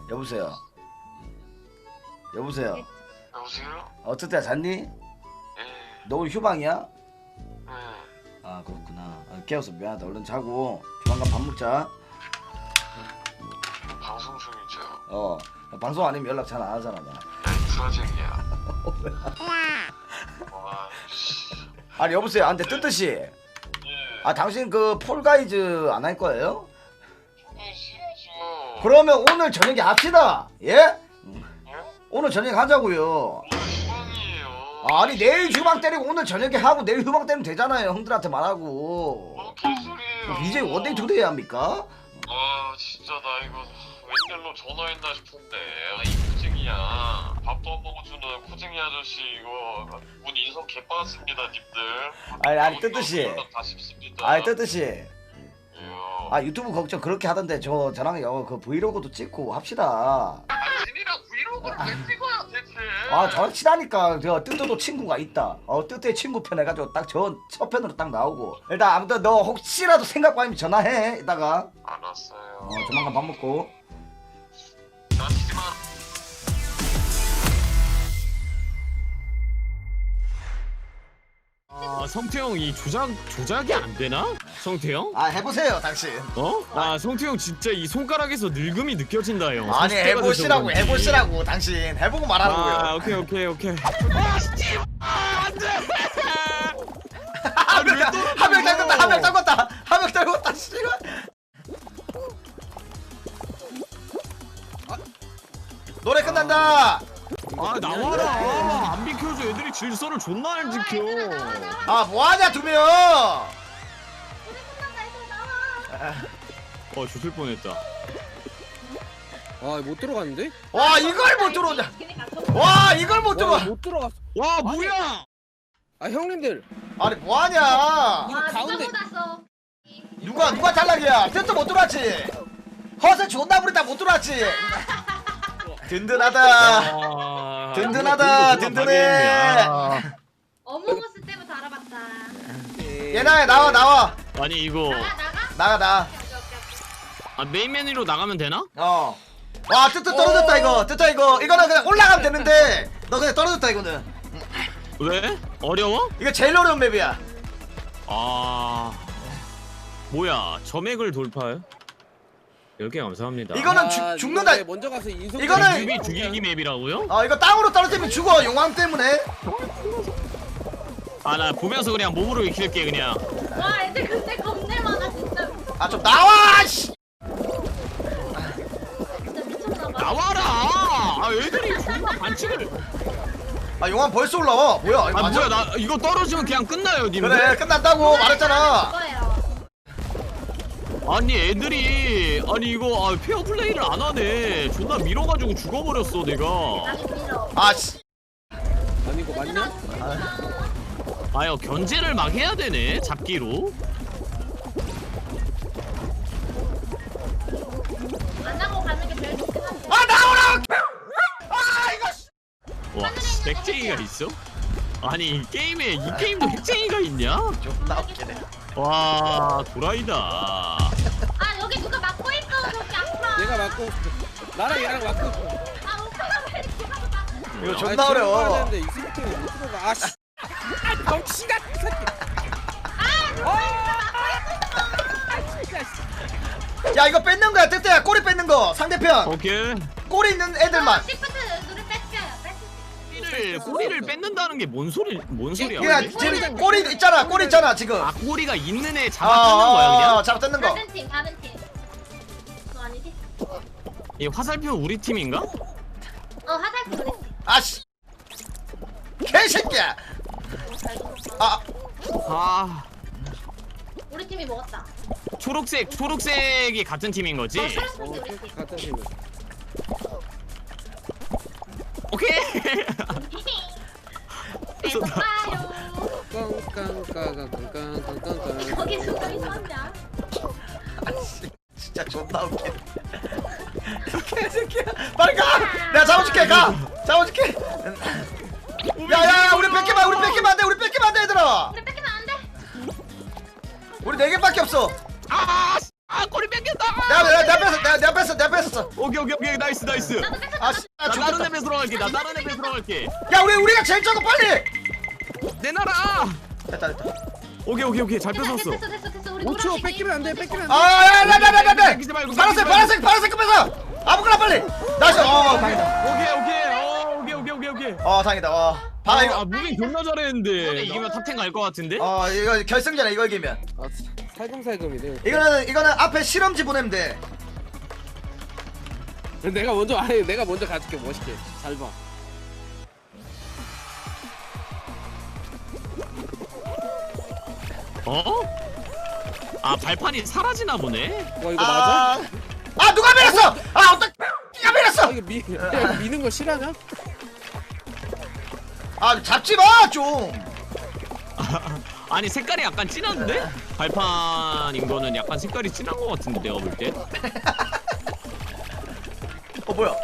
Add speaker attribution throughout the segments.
Speaker 1: 여보세요. 여보세요.
Speaker 2: 여보세요?
Speaker 1: 어떻게 잤니?
Speaker 2: 예.
Speaker 1: 너 오늘 휴방이야?
Speaker 2: 예.
Speaker 1: 아 그렇구나. 깨워서 미안하다. 얼른 자고 조만간 밥 먹자.
Speaker 2: 방송 중이죠.
Speaker 1: 방송 아니면 연락 잘 안 하잖아 나.
Speaker 2: 브라쟁이야. 와, 씨.
Speaker 1: 아니 여보세요. 근데 뜨뜻이.
Speaker 2: 예.
Speaker 1: 아 당신 그 폴가이즈 안 할 거예요?
Speaker 2: 싫어죠.
Speaker 1: 그러면 오늘 저녁에 합시다. 예?
Speaker 2: 예?
Speaker 1: 오늘 저녁에 하자고요.
Speaker 2: 오늘 휴방이에요.
Speaker 1: 아니 내일 휴방 때리고 오늘 저녁에 하고 내일 휴방 때리면 되잖아요. 형들한테 말하고.
Speaker 2: 개소리예요.
Speaker 1: BJ 원데이 투데이 합니까?
Speaker 2: 아, 진짜 나 이거 웬일로 전화했나 싶은데. 아, 이 코쟁이야. 밥도 안 먹어주는 코쟁이 아저씨 이거 문 인성 개빠졌습니다, 님들.
Speaker 1: 아니 뜨뜻이.
Speaker 2: 다 싶습니다.
Speaker 1: 아니 뜨뜻이.
Speaker 2: 예요.
Speaker 1: 아 유튜브 걱정 그렇게 하던데 저랑 그 브이로그도 찍고 합시다.
Speaker 2: 당신이랑 브이로그를 왜 찍어요 대체?
Speaker 1: 아 저랑 친하니까 저 뜨뜨도 친구가 있다. 뜨뜨의 친구 편 해가지고 딱 저 첫 편으로 딱 나오고. 일단 아무튼 너 혹시라도 생각 빠지면 전화해 이따가.
Speaker 2: 알았어요.
Speaker 1: 조만간 밥 먹고.
Speaker 2: 다치지 마.
Speaker 3: 아 성태형 이 조작이 안 되나? 성태형?
Speaker 1: 아 해보세요 당신.
Speaker 3: 어? 아 성태형 진짜 이 손가락에서 늙음이 느껴진다 형.
Speaker 1: 아니
Speaker 3: 40대가
Speaker 1: 해보시라고
Speaker 3: 돼서 그런지.
Speaker 1: 해보시라고 당신 해보고 말하라고요.
Speaker 3: 아 오케이. 안돼.
Speaker 1: 한명 떨궜다 한 명 떨궜다 한 명 떨궜다 씨발. 노래 끝난다.
Speaker 3: 아 나와라. 안 비켜줘. 애들이 질서를 존나 안 지켜.
Speaker 1: 아 뭐하냐 두 명.
Speaker 3: 조질 뻔했다.
Speaker 4: 아 못 들어갔는데?
Speaker 1: 와 이걸 못 들어오냐. 와 이걸 못 들어와.
Speaker 4: 못 들어갔어.
Speaker 3: 와 뭐야?
Speaker 4: 아 형님들
Speaker 1: 아니 뭐하냐.
Speaker 4: 이거 가운데
Speaker 1: 누가 탈락이야. 뜻도 못 들어왔지. 허세 존나 부리다 못 들어왔지. 든든하다.
Speaker 3: 아,
Speaker 1: 든든하다,
Speaker 3: 누가
Speaker 1: 든든해.
Speaker 3: 방해했냐.
Speaker 5: 어몽어스 때부터 알아봤다.
Speaker 1: 얘나야 나와.
Speaker 3: 아니 이거
Speaker 1: 나가.
Speaker 5: 오케이.
Speaker 3: 메인 메뉴로 나가면 되나?
Speaker 1: 와 뜨뜻 떨어졌다 이거. 뜨뜻 이거는 그냥 올라가면 되는데 너 그냥 떨어졌다 이거는.
Speaker 3: 왜? 어려워?
Speaker 1: 이거 제일 어려운 맵이야.
Speaker 3: 뭐야 점액을 돌파해? 10개 감사합니다.
Speaker 1: 이거는
Speaker 4: 아,
Speaker 1: 죽는다.
Speaker 4: 이번에 먼저 가서 인성
Speaker 1: 이거는-
Speaker 3: 유비 죽이기 맵이라고요?
Speaker 1: 이거 땅으로 떨어지면 죽어 용왕 때문에.
Speaker 3: 나 보면서 그냥 몸으로 익힐게 그냥.
Speaker 5: 와 애들 근데 겁내 많아 진짜.
Speaker 1: 좀 나와 씨.
Speaker 5: 진짜 미쳤나봐.
Speaker 3: 나와라! 애들이 존나 반칙을.
Speaker 1: 용왕 벌써 올라와. 뭐야 이거 맞아?
Speaker 3: 뭐야 나 이거 떨어지면 그냥 끝나요 님들.
Speaker 1: 그래 끝난다고 말했잖아.
Speaker 5: 그거예요.
Speaker 3: 아니 애들이 이거 페어 플레이를 안 하네. 존나 밀어가지고 죽어버렸어 내가.
Speaker 5: 나도 밀어.
Speaker 1: 씨.
Speaker 4: 아니 이거 맞냐?
Speaker 3: 견제를 막 해야 되네 잡기로.
Speaker 5: 안 하고 가는 게 제일 좋긴 한데.
Speaker 1: 나오라.
Speaker 3: 와 핵쟁이가 있어? 아니 이 게임도 핵쟁이가 있냐?
Speaker 1: 존나 웃기네.
Speaker 3: 와 도라이다.
Speaker 5: 아 여기 누가 막고 있어 저기 아파.
Speaker 4: 얘가 맞고 나랑 얘랑 맞고
Speaker 5: 아 오빠가 왜 이렇게 하고 막.
Speaker 1: 이거 존나 어려워.
Speaker 4: 이 스피킹 못 들어가. 아씨 덩치가 새끼.
Speaker 1: 야 이거 뺏는 거야 뜨뜨야. 꼬리 뺏는 거 상대편.
Speaker 3: 오케이.
Speaker 1: 꼬리 있는 애들만.
Speaker 5: 시프트 누를 뺏겨요.
Speaker 3: 꼬리를 뺏는다는 게 뭔 소리야?
Speaker 1: 그냥 지금 꼬리 있잖아. 꼬리 있잖아 지금.
Speaker 3: 꼬리가 있는 애 잡아 뜯는 거야 그냥?
Speaker 1: 잡아 뜯는 거.
Speaker 5: 다른 팀. 너 아니지?
Speaker 3: 이 화살표 우리 팀인가?
Speaker 5: 화살표 그랬지.
Speaker 1: 씨. 개새끼야.
Speaker 5: 우리 팀이 먹었다.
Speaker 3: 초록색이 같은 팀인 거지?
Speaker 5: 파란색이 우리 팀.
Speaker 4: 같은 팀.
Speaker 3: 오케이.
Speaker 5: 배고파요.
Speaker 4: 깡깡깡깡깡깡깡깡.
Speaker 5: 거기 순간 이상한데.
Speaker 1: 진짜 존나 웃기네. 개새끼야. 빨리 가. 내가 잡아줄게. 가. 잡아줄게. 야야야 우리 뺏기면 안 돼. 우리 뺏기면 안 돼 얘들아.
Speaker 5: 우리 뺏기면 안 돼.
Speaker 1: 우리 4개밖에 없어.
Speaker 3: 꼬리 뺏겼다.
Speaker 1: 내가 뺐어.
Speaker 3: 오케이 나이스.
Speaker 5: 나도 뺏었다.
Speaker 1: 아 씨.
Speaker 3: 나 다른 앱에 들어갈게.
Speaker 1: 야 우리가 제일 적어 빨리.
Speaker 3: 내놔라.
Speaker 1: 됐다.
Speaker 3: 오케이 잘 뺏었어.
Speaker 5: 됐어. 우리
Speaker 4: 5초
Speaker 5: 노란색이.
Speaker 4: 뺏기면 안돼 뺏기면 안돼
Speaker 1: 아야야야야야.
Speaker 3: 뺏기지 말고,
Speaker 1: 파란색 거 뺏어. 아무거나 빨리. 나이스. 다행이다.
Speaker 3: 오케이.
Speaker 1: 다행이다. 봐 이거.
Speaker 3: 무빙 존나 잘했는데 이기면 탑10 갈 것 같은데?
Speaker 1: 이거 결승전에 이거 이기면.
Speaker 4: 아 살금살금이네
Speaker 1: 이거는 앞에 실험지 보내면 돼.
Speaker 4: 내가 먼저 가줄게 멋있게 잘봐
Speaker 3: 아 발판이 사라지나 보네?
Speaker 4: 와 이거 맞아?
Speaker 1: 누가 밀었어? 어떡? 누가 밀었어?
Speaker 4: 이거 이거 미는 거 싫어하냐?
Speaker 1: 잡지 마 좀.
Speaker 3: 아니 색깔이 약간 진한데? 발판인 거는 약간 색깔이 진한 거 같은데 내가 볼 때?
Speaker 1: 뭐야?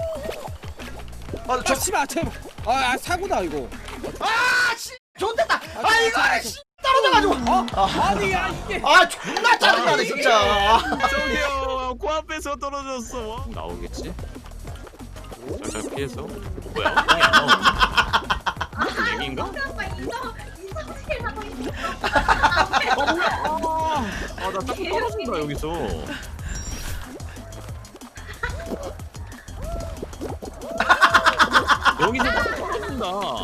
Speaker 4: 씨발 제발 사고다 이거
Speaker 1: 씨, 좋댔다. 이거 씨 떨어져가지고.
Speaker 4: 아니 야 이게
Speaker 1: 존나 짜증나네 진짜.
Speaker 3: 저기요 코앞에서 떨어졌어 나오겠지? 살짝 피해서 뭐야 엉덩이 안 나오네 얘기인가?
Speaker 5: 오빠 인성질 하고 있어.
Speaker 3: 나 자꾸 떨어진다 여기서 여기서 떨어진다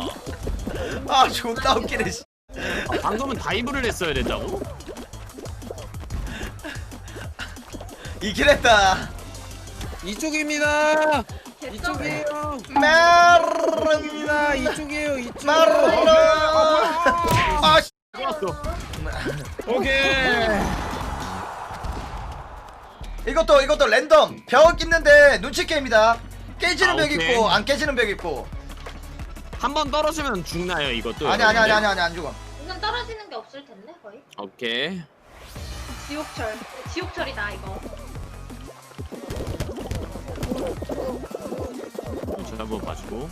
Speaker 1: 존나 웃기네. 씨.
Speaker 3: 방금은 다이브를 했어야 된다고?
Speaker 1: 이길 했다.
Speaker 4: 이쪽입니다 이쪽이에요
Speaker 1: 메르입니다.
Speaker 4: 이쪽이에요 이쪽
Speaker 1: 씨.
Speaker 3: 좋았어 오케이
Speaker 1: 이것도 랜덤. 벽 있는데 눈치 게임이다. 깨지는 벽
Speaker 3: 오케이.
Speaker 1: 있고 안 깨지는 벽 있고.
Speaker 3: 한 번 떨어지면 죽나요 이것도?
Speaker 1: 아니 안 죽어.
Speaker 5: 이건 떨어지는 게 없을 텐데 거의.
Speaker 3: 오케이
Speaker 5: 지옥철이다 이거.
Speaker 3: 저 한번 봐주고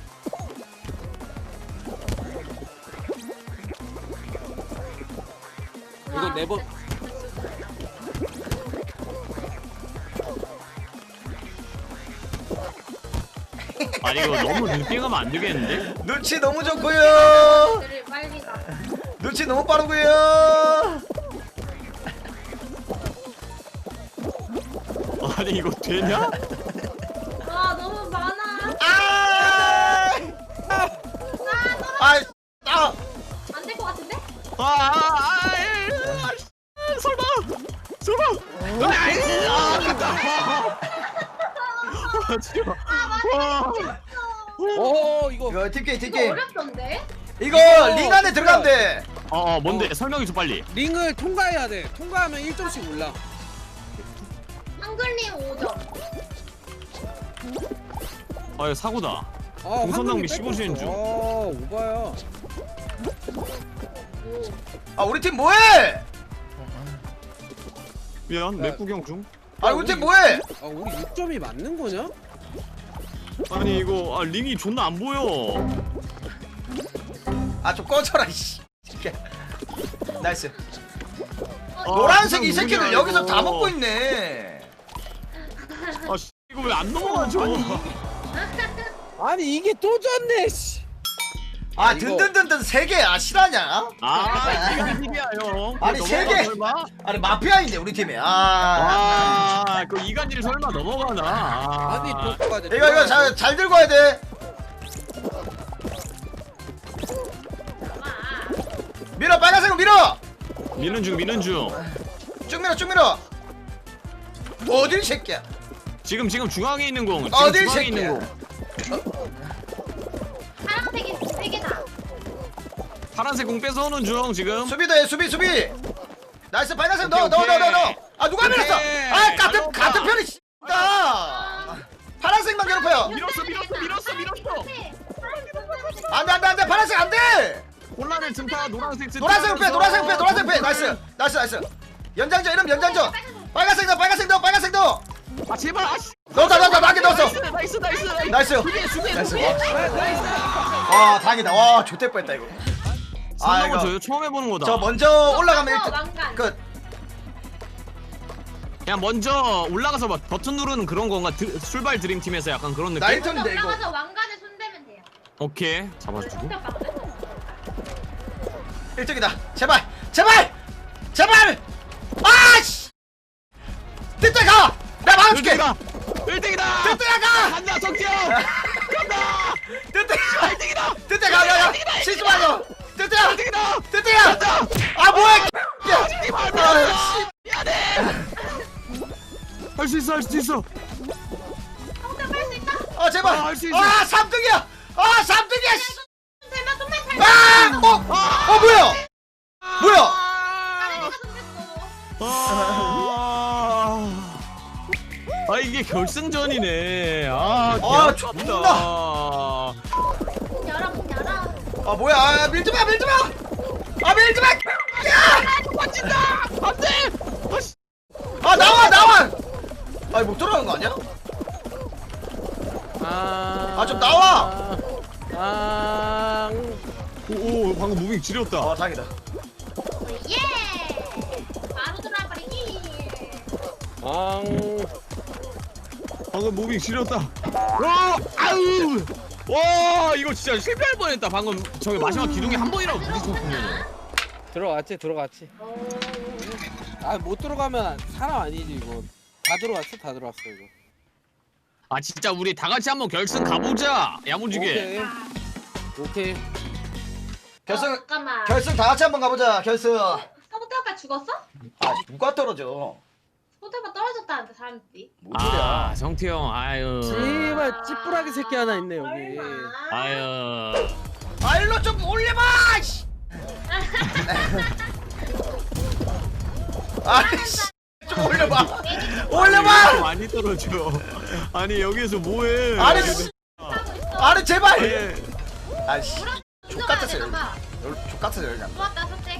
Speaker 4: 이거 네번
Speaker 3: 아니 이거 너무 늦게 가면 안 되겠는데?
Speaker 1: 눈치 너무 좋고요.
Speaker 5: 들을 빨리 가.
Speaker 1: 눈치 너무 빠르고요.
Speaker 3: 아니 이거 되냐?
Speaker 5: 너무 많아. 안 될 것 같은데?
Speaker 3: 설마 진짜
Speaker 4: 이거
Speaker 1: 이거 팀게임
Speaker 5: 이거
Speaker 1: 팀게임.
Speaker 5: 어렵던데?
Speaker 1: 이거 링 안에 들어가면 돼.
Speaker 3: 뭔데 설명해줘 빨리
Speaker 4: 링을 통과해야 돼 통과하면 1점씩 올라
Speaker 5: 한글님 5점.
Speaker 3: 이거 사고다 동선 낭비 15시인 중.
Speaker 4: 오바야
Speaker 1: 우리 팀 뭐해?
Speaker 3: 미안 맵 구경 중
Speaker 1: 우리 팀 뭐해?
Speaker 4: 우리 6점이 맞는 거냐?
Speaker 3: 아니 이거 링이 존나 안 보여
Speaker 1: 좀 꺼져라 이씨. 나이스.
Speaker 5: 어,
Speaker 1: 노란색 이
Speaker 3: 그냥
Speaker 1: 새끼들
Speaker 3: 누구냐,
Speaker 1: 여기서
Speaker 3: 이거.
Speaker 1: 다 먹고 있네.
Speaker 3: 이거 왜 안 넘어가죠?
Speaker 4: 아니 이게 또 졌네 씨. 이거-
Speaker 1: 든든든든 세 개야 실화냐?
Speaker 3: 이게 이기야 형
Speaker 1: 아니, 세 개.
Speaker 3: 설마?
Speaker 1: 마피아인데 우리 팀이.
Speaker 3: 그 이간질 설마 넘어가나?
Speaker 4: 아니 독까지
Speaker 1: 이거 잘 들고 와야 돼. 밀어 빨간색은 밀어.
Speaker 3: 미는 중
Speaker 1: 쭉 밀어. 어딜 새끼야.
Speaker 3: 지금 중앙에 있는 공
Speaker 1: 어딜
Speaker 3: 중앙에
Speaker 1: 새끼야.
Speaker 3: 있는 공
Speaker 5: 파란색이 3개다.
Speaker 3: 파란색 공 뺏어오는 중 지금
Speaker 1: 수비도 해 수비. 나이스 빨간색 넣어.
Speaker 3: 오케이.
Speaker 1: 누가
Speaker 3: 오케이.
Speaker 1: 밀었어? 같은
Speaker 3: 잘했다.
Speaker 1: 편이 씨다. 파란색만 괴롭혀요.
Speaker 3: 밀었어
Speaker 1: 안돼 파란색 안돼.
Speaker 3: 혼란의 증파 노란색
Speaker 1: 노란색 빼. 나이스. 연장전 이러면 연장전. 빨간색 넣어.
Speaker 3: 제발
Speaker 1: 넣었다 나게 넣었어.
Speaker 3: 나이스
Speaker 1: 나이스. 다행이다. 와 좋대 뻔했다 이거.
Speaker 3: 상당한 저요 처음 해보는 거다
Speaker 1: 저 먼저 올라가면
Speaker 5: 저
Speaker 1: 일단
Speaker 5: 왕관.
Speaker 1: 끝.
Speaker 3: 그냥 먼저 올라가서 막 버튼 누르는 그런 건가? 출발 드림팀에서 약간 그런 느낌?
Speaker 1: 나이 턴인데 이거.
Speaker 5: 올라가서 왕관에 손대면 돼요.
Speaker 3: 오케이 잡아주고.
Speaker 5: 손대 박대.
Speaker 1: 1등이다. 제발. 제발. 제발. 아씨. 뜨뜨 가. 내가 막아줄게.
Speaker 3: 1등이다!
Speaker 1: 뜨뜨야 가.
Speaker 3: 간다 성태형! 간다!
Speaker 1: 뜨뜨.
Speaker 3: 1등이다!
Speaker 1: 뜨뜨 가. 야야. 실수 말고. 뜨뜨야.
Speaker 3: 1등이다!
Speaker 1: 뜨뜨야. 아 뭐야. 야.
Speaker 3: 미안해! 할 수 있어 할 수 있어!
Speaker 5: 손대 뺄수 있다.
Speaker 1: 아 제발.
Speaker 3: 아, 할수 있어.
Speaker 1: 3등이야. 3등이야.
Speaker 5: 손대면 손대 잘.
Speaker 1: 뭐야? 뭐야?
Speaker 5: 나래가 손댔어.
Speaker 3: 아 이게 결승전이네. 아
Speaker 1: 존나.
Speaker 5: 문 열어 문 열어.
Speaker 1: 아 뭐야? 아 밀지 마. 밀지 마. 아 밀지 마.
Speaker 3: 빠진다! 안돼!
Speaker 1: 아 나와. 아니 못 들어가는 거 아니야? 좀 나와.
Speaker 3: 오 방금 무빙 지렸다.
Speaker 1: 아 다행이다.
Speaker 5: 예. 바로 들어버리기.
Speaker 3: 방금 무빙 지렸다. 와 아우! 와 이거 진짜 실패할 뻔했다. 방금 저기 마지막 기둥에 한 번이라도 부딪혔으면.
Speaker 4: 들어갔지. 아 못 들어가면 사람 아니지 이거. 다 들어왔어 이거.
Speaker 3: 아 진짜 우리 다 같이 한번 결승 가보자. 야무지게.
Speaker 4: 오케이.
Speaker 1: 결승
Speaker 5: 잠깐만.
Speaker 1: 결승 다 같이 한번 가보자. 결승.
Speaker 5: 서부태 오빠 죽었어?
Speaker 1: 아 누가 떨어져?
Speaker 5: 서부태 오빠 떨어졌다는데 사람들이.
Speaker 1: 뭔 소리야?
Speaker 3: 아 성태 형 아유.
Speaker 4: 제발 찌푸라기 새끼 하나 있네 여기.
Speaker 5: 설마.
Speaker 3: 아유.
Speaker 1: 아 일로 좀 올려봐. 씨. 아이씨 좀 올려봐. 올려봐.
Speaker 3: 많이 떨어져. 아니 여기서 뭐해?
Speaker 1: 아니 씨.
Speaker 5: 하고 있어.
Speaker 1: 아니 제발.
Speaker 3: 예.
Speaker 1: 아이씨. 족같았어요.
Speaker 5: 되나봐.
Speaker 1: 족같았어요 여기.
Speaker 5: 좋았다 선택.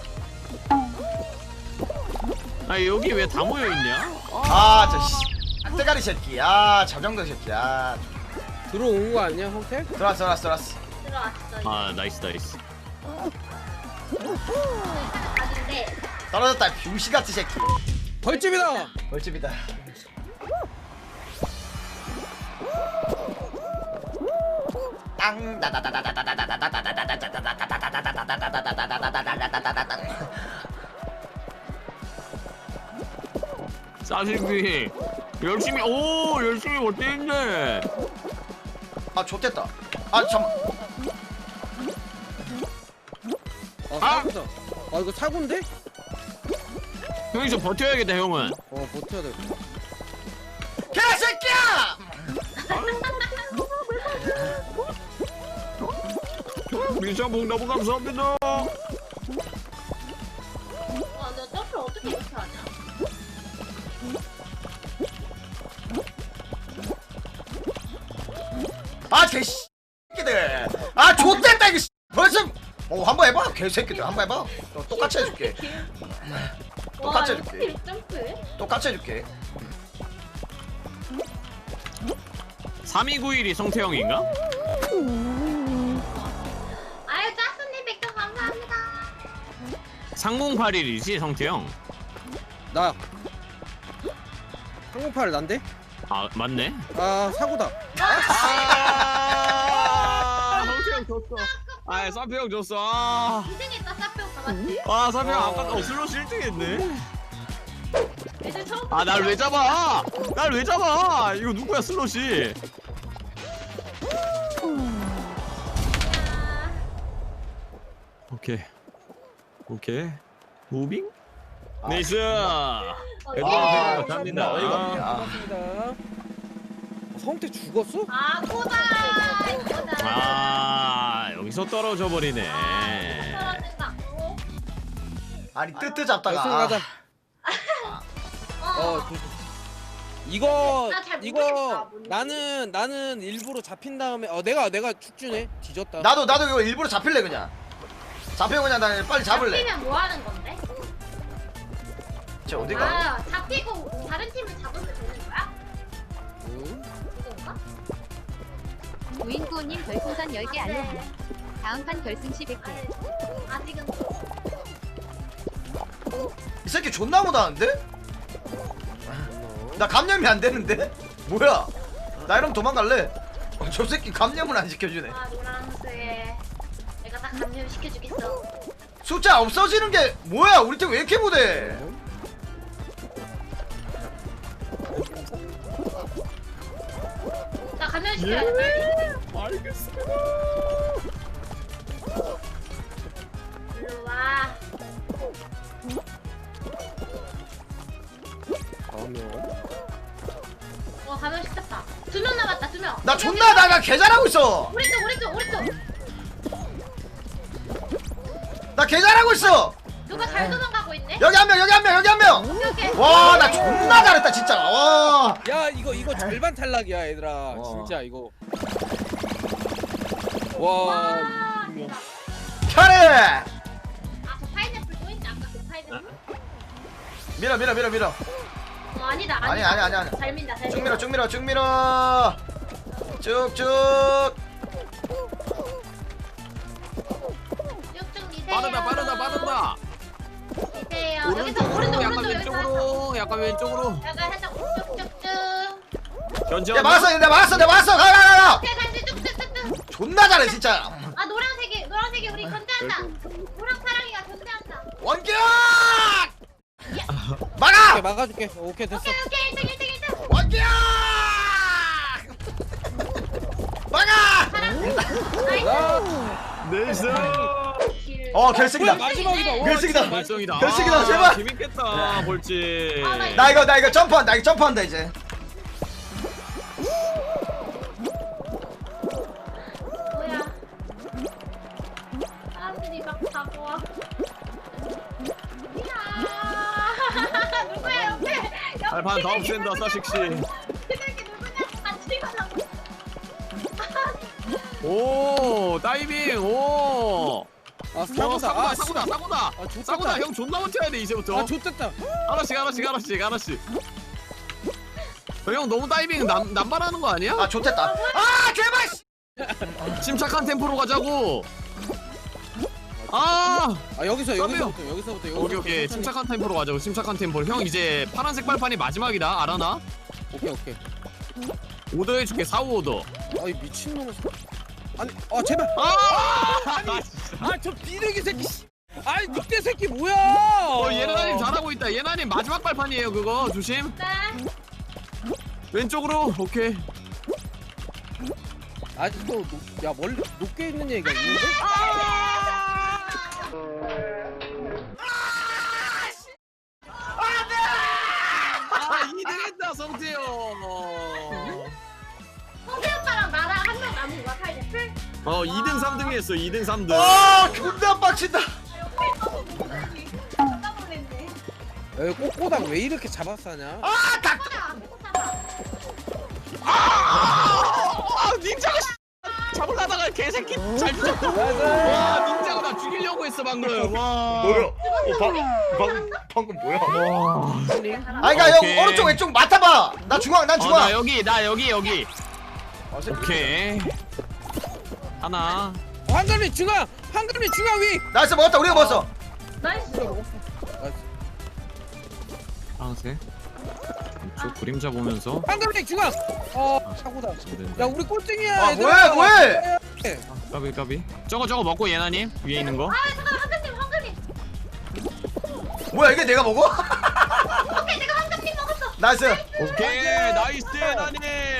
Speaker 3: 아 여기 왜 다 모여 있냐?
Speaker 1: 아저 씨. 악대가리 새끼. 아 자정도 새끼. 아
Speaker 4: 들어온 거 아니야 형태?
Speaker 1: 들어왔어.
Speaker 5: 들어왔어.
Speaker 3: 아 나이스.
Speaker 5: 가는데
Speaker 1: 떨어졌다. 병시같이 새끼.
Speaker 4: 벌집이다.
Speaker 1: 벌집이다. 땅
Speaker 3: 사실비 열심히 버티는데.
Speaker 1: 아 좋댔다. 아 잠깐.
Speaker 4: 사고다. 아 이거 사고인데?
Speaker 3: 형이 좀 버텨야겠다 형은.
Speaker 4: 버텨야 돼.
Speaker 1: 개새끼야!
Speaker 3: 미션봉 너무 감사합니다.
Speaker 5: 너 점프를 어떻게 이렇게 하냐?
Speaker 1: 아 개새끼들. 아 좋댔다 이거. 벌써 한번 해봐. 개새끼들 한번 해봐. 똑같이 해줄게. 똑같이
Speaker 5: 와,
Speaker 1: 해줄게.
Speaker 5: 이렇게 점프해?
Speaker 1: 똑같이 해줄게.
Speaker 3: 3291이 성태형인가?
Speaker 5: 아유 짜스님 백점 감사합니다.
Speaker 3: 3081이지 성태형.
Speaker 4: 나. 항공팔 난데?
Speaker 3: 아 맞네.
Speaker 4: 아 사고다.
Speaker 3: 성태형 졌어. 아 사페형 졌어. 아
Speaker 5: 2등했다 사표 가봤지?
Speaker 3: 사페형 아까 슬롯 1등했네.
Speaker 5: 애들 처음
Speaker 3: 아 날 왜 잡아? 날 왜 잡아? 이거 누구야 슬롯이? 오케이 무빙? 네이스. 애들
Speaker 1: 존나 어이가 없네. 아.
Speaker 4: 반갑습니다. 성태 죽었어?
Speaker 5: 아 꼬다
Speaker 3: 여기서 떨어져 버리네.
Speaker 5: 떨어진다.
Speaker 1: 아니 뜨뜨 잡다가.
Speaker 4: 결승 가자. 이거
Speaker 5: 나잘 모르겠다,
Speaker 4: 이거
Speaker 5: 뭔지.
Speaker 4: 나는 일부러 잡힌 다음에 내가 축주네. 뒤졌다.
Speaker 1: 나도 이거 일부러 잡힐래 그냥. 잡히고 그냥 나 빨리 잡을래.
Speaker 5: 잡히면 뭐 하는 건데?
Speaker 1: 쟤 어디가?
Speaker 5: 아 잡히고 다른 팀을 잡으면 되는 거야?
Speaker 4: 응?
Speaker 5: 그건가?
Speaker 6: 우인구님 별풍선 10개 알려주세요. 다음 판 결승 시 100개.
Speaker 5: 아직은
Speaker 1: 이 새끼 존나 못하는데? 나 감염이 안 되는데? 뭐야? 나 이러면 도망갈래? 저 새끼 감염을 안 시켜주네.
Speaker 5: 아 노란색. 내가 딱 감염 시켜주겠어.
Speaker 1: 숫자 없어지는 게 뭐야? 우리 팀 왜 이렇게 못해?
Speaker 5: 나 감염 시켜야 돼 빨리.
Speaker 3: 알겠습니다.
Speaker 5: 일로 와. 감염 시켰다. 2명 남았다 2명.
Speaker 1: 나 존나 나가 개 잘하고 있어.
Speaker 5: 우리 쪽.
Speaker 1: 나 개 잘하고 있어.
Speaker 5: 누가 잘 도망가고 있네.
Speaker 1: 여기 한 명, 여기 한 명, 여기 한 명.
Speaker 5: 오케이.
Speaker 1: 와, 나 존나 잘했다 진짜. 와.
Speaker 4: 야 이거 절반 탈락이야 얘들아. 진짜 이거. 와.
Speaker 5: 와. 대박.
Speaker 1: 잘해.
Speaker 5: 아, 저 파인애플 또 있네. 아까 그 파인애플.
Speaker 1: 밀어.
Speaker 5: 아니다.
Speaker 1: 아니.
Speaker 5: 잘 민다.
Speaker 1: 쭉 밀어. 쭉쭉.
Speaker 5: 쭉쭉 미세요.
Speaker 3: 빠르다.
Speaker 5: 미세요. 여기서
Speaker 3: 오른쪽으로,
Speaker 5: 오른쪽
Speaker 3: 약간
Speaker 5: 여기서.
Speaker 3: 왼쪽으로, 약간 왼쪽으로.
Speaker 5: 약간 살짝 쭉쭉쭉.
Speaker 3: 견제.
Speaker 1: 내가 막았어. 가.
Speaker 5: 오케이 다시 쭉쭉쭉쭉.
Speaker 1: 존나 잘해 진짜.
Speaker 5: 아 노란색이 우리 견제한다. 노랑 파랑이가 견제한다.
Speaker 1: 원격.
Speaker 4: 오케이,
Speaker 1: 막아.
Speaker 4: 막아줄게. 오케이 됐어.
Speaker 5: 오케이 1등.
Speaker 1: 원격. 막아.
Speaker 5: 파랑. 나이스.
Speaker 3: 네이스.
Speaker 1: 결승이다.
Speaker 4: 뭐야, 마지막이다. 와,
Speaker 1: 결승이다.
Speaker 3: 발성이다.
Speaker 1: 결승이다, 제발.
Speaker 3: 재밌겠다. 볼지.
Speaker 5: 아,
Speaker 1: 나 이거 점프한다 이제.
Speaker 5: 뭐야? 사람들이 막 가고 와. 이야. 누구야 옆에?
Speaker 3: 발판 다음 센다 사식씨.
Speaker 5: 그 새끼 누구냐고 같이 가라고.
Speaker 3: 오 다이빙 오.
Speaker 4: 아
Speaker 3: 사고다.
Speaker 4: 아, 좋겠다.
Speaker 3: 사고다. 형 존나 못해야 돼 이제부터.
Speaker 4: 아 좋겠다.
Speaker 3: 하나씩. 형 너무 다이빙 남발하는 거 아니야?
Speaker 1: 아 좋댔다. 아 제발.
Speaker 3: 침착한 템포로 가자고. 아
Speaker 4: 여기서부터.
Speaker 3: 오케이. 침착한 템포로 가자고. 침착한 템포로. 형 이제 파란색 발판이 마지막이다. 알아나?
Speaker 4: 오케이.
Speaker 3: 오더 해줄게. 4-5
Speaker 4: 아이 미친놈. 아니 제발. 저 비둘기 새끼. 아이 늑대 새끼 뭐야?
Speaker 3: 예나님 잘하고 있다. 예나님 마지막 발판이에요. 그거 조심.
Speaker 5: 네.
Speaker 3: 왼쪽으로. 오케이.
Speaker 4: 아직도 멀리 높게 있는 얘기가 있는데?
Speaker 3: 아 2등했다 성태형.
Speaker 5: 성태 오빠랑 나랑 한 명 남은 거야 파인애플?
Speaker 3: 2등 3등 했어. 2등 3등.
Speaker 1: 아 존나 빡친다.
Speaker 5: 깜짝 놀랐네.
Speaker 4: 꼬꼬당 왜 이렇게 잡았사냐?
Speaker 1: 아 닭.
Speaker 3: 닌자가 잡으려다가 개새끼 잘 죽였다. 와 닌자가 나 죽이려고 했어 방금. 와.
Speaker 1: 방금 뭐야?
Speaker 3: 와.
Speaker 1: 아니 그니까
Speaker 3: 오케이.
Speaker 1: 형 오른쪽 왼쪽 맡아봐. 난 중앙.
Speaker 3: 나 여기. 오케이. 하나.
Speaker 4: 황금리 중앙 위.
Speaker 1: 나이스 먹었다. 우리가 먹었어.
Speaker 5: 나이스.
Speaker 3: 파란색. 이쪽 그림자 보면서.
Speaker 4: 황금리 중앙. 사고다. 야 우리 꼴등이야.
Speaker 1: 아
Speaker 4: 얘들아.
Speaker 1: 뭐해?
Speaker 3: 까비. 저거 먹고 예나님 위에 있는 거.
Speaker 5: 아 잠깐 황금님.
Speaker 1: 뭐야 이게 내가 먹어?
Speaker 5: 오케이 내가 황금님 먹었어.
Speaker 1: 나이스.
Speaker 3: 오케이 나이스 예나님.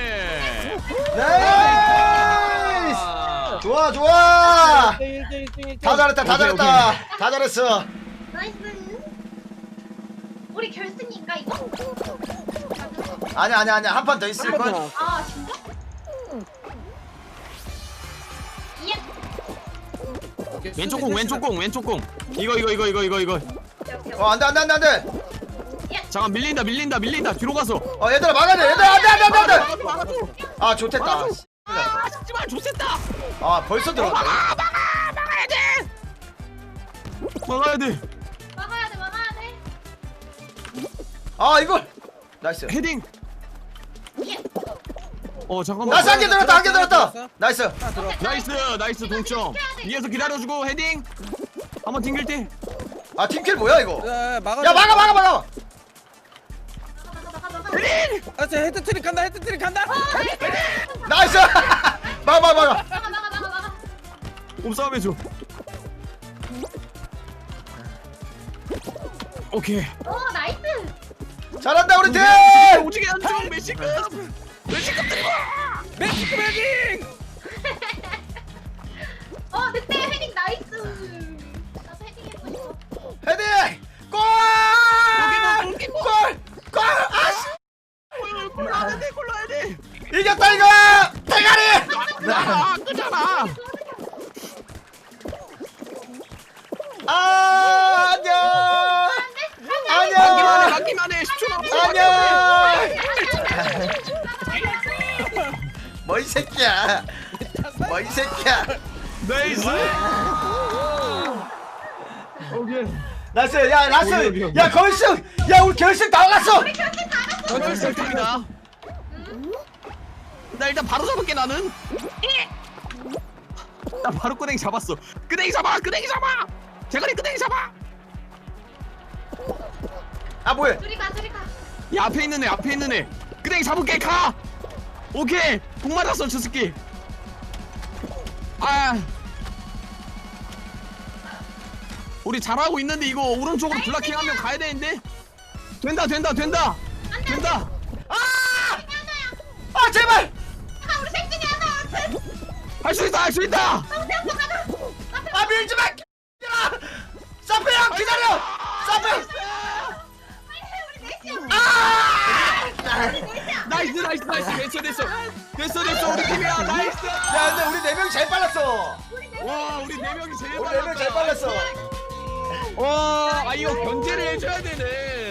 Speaker 1: 나이스. 좋아.
Speaker 4: 1등.
Speaker 1: 다 잘했다. 다 잘했어.
Speaker 5: 나이스. 우리 결승인가 이거?
Speaker 1: 아니야. 한 판 더 있을 걸.
Speaker 5: 아 진짜? 이야.
Speaker 3: 왼쪽 공. 이거.
Speaker 1: 안돼.
Speaker 3: 잠깐 밀린다. 뒤로 가서.
Speaker 1: 얘들아 막아야 돼. 안돼. 아 좋댔다.
Speaker 3: 아 죽지마 좋겠다.
Speaker 1: 아 벌써 들어갔네.
Speaker 3: 막아야 돼.
Speaker 5: 막아야 돼.
Speaker 1: 아 이걸. 나이스.
Speaker 3: 헤딩.
Speaker 5: 예.
Speaker 3: 잠깐만.
Speaker 1: 나이스 한 개 들었다. 나이스.
Speaker 3: 나이스 동점. 위에서 기다려주고 헤딩. 한번 튕길 때.
Speaker 1: 아 팀킬 뭐야 이거?
Speaker 4: 막아.
Speaker 1: 야 막아.
Speaker 5: 막아.
Speaker 3: 헤딩. 헤딩!
Speaker 4: 아, 저 헤드트릭 간다. 헤드트릭 간다.
Speaker 1: 나이스. 막아.
Speaker 5: 막아 막아 막아.
Speaker 3: 몸싸움 해줘. 오케이.
Speaker 5: 오 나이스.
Speaker 1: 잘한다 우리 팀.
Speaker 3: 오지게 안쪽 메시급. 메시급 들고.
Speaker 4: 메시크 헤딩.
Speaker 5: 늑대 헤딩 나이스. 나도 헤딩 해보고 싶어.
Speaker 1: 헤딩. 골. 골. 아씨.
Speaker 3: 골 넣어야 돼. 골 넣어야 돼.
Speaker 1: 이겼다 이거. 대가리.
Speaker 3: 끄잖아.
Speaker 1: 안녕. 안녕.
Speaker 3: 맞기만 해. 10초 남았어.
Speaker 1: 안녕. 뭐 이 새끼야. 뭐 이 새끼야.
Speaker 3: 나이스. 오케이.
Speaker 1: 나이스. 야 나이스. 야 결승. 야 우리 결승 나갔어.
Speaker 3: 결승입니다. 나 일단 바로 잡을게 나는. 나 바로 끄댕이 잡았어. 끄댕이 잡아. 끄댕이 잡아. 대가리 끄댕이 잡아.
Speaker 1: 아 뭐해?
Speaker 5: 둘이 가.
Speaker 3: 야 앞에 있는 애. 끄댕이 잡을게. 가. 오케이. 복 맞았어 저 새끼. 아. 우리 잘하고 있는데 이거 오른쪽으로 블락킹하면 가야 되는데. 된다.
Speaker 1: 아 제발.
Speaker 5: 우리 생진이 하나.
Speaker 3: 할 수 있다.
Speaker 1: 아 밀지 마. 사페 형 기다려. 사페.
Speaker 3: 됐어 우리 팀이야. 나이스.
Speaker 1: 야 근데 우리 네 명이 제일 빨랐어.
Speaker 3: 와 우리 네 명이 제일
Speaker 1: 우리 네 명이 제일 빨랐어.
Speaker 3: 와 이거 견제를 해줘야 되네.